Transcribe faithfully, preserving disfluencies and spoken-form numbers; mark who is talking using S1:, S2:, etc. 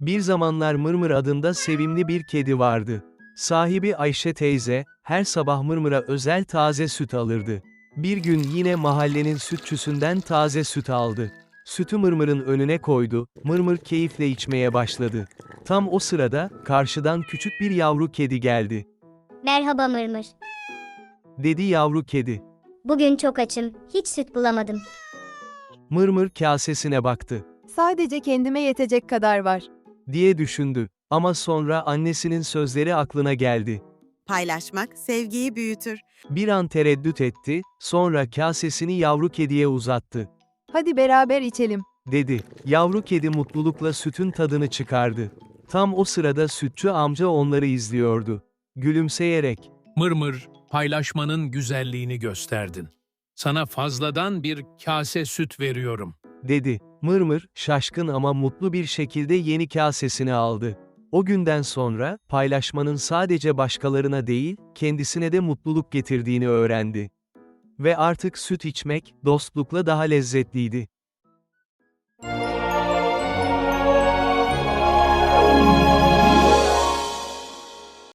S1: Bir zamanlar Mırmır adında sevimli bir kedi vardı. Sahibi Ayşe teyze, her sabah Mırmır'a özel taze süt alırdı. Bir gün yine mahallenin sütçüsünden taze süt aldı. Sütü Mırmır'ın önüne koydu, Mırmır keyifle içmeye başladı. Tam o sırada, karşıdan küçük bir yavru kedi geldi.
S2: Merhaba Mırmır.
S1: Dedi yavru kedi.
S2: Bugün çok açım, hiç süt bulamadım.
S1: Mırmır kasesine baktı.
S3: Sadece kendime yetecek kadar var.
S1: Diye düşündü. Ama sonra annesinin sözleri aklına geldi.
S4: Paylaşmak sevgiyi büyütür.
S1: Bir an tereddüt etti, sonra kasesini yavru kediye uzattı.
S3: Hadi beraber içelim.
S1: Dedi. Yavru kedi mutlulukla sütün tadını çıkardı. Tam o sırada sütçü amca onları izliyordu. Gülümseyerek,
S5: Mırmır, paylaşmanın güzelliğini gösterdin. Sana fazladan bir kase süt veriyorum.
S1: dedi. Mırmır, şaşkın ama mutlu bir şekilde yeni kasesini aldı. O günden sonra, paylaşmanın sadece başkalarına değil, kendisine de mutluluk getirdiğini öğrendi. Ve artık süt içmek, dostlukla daha lezzetliydi.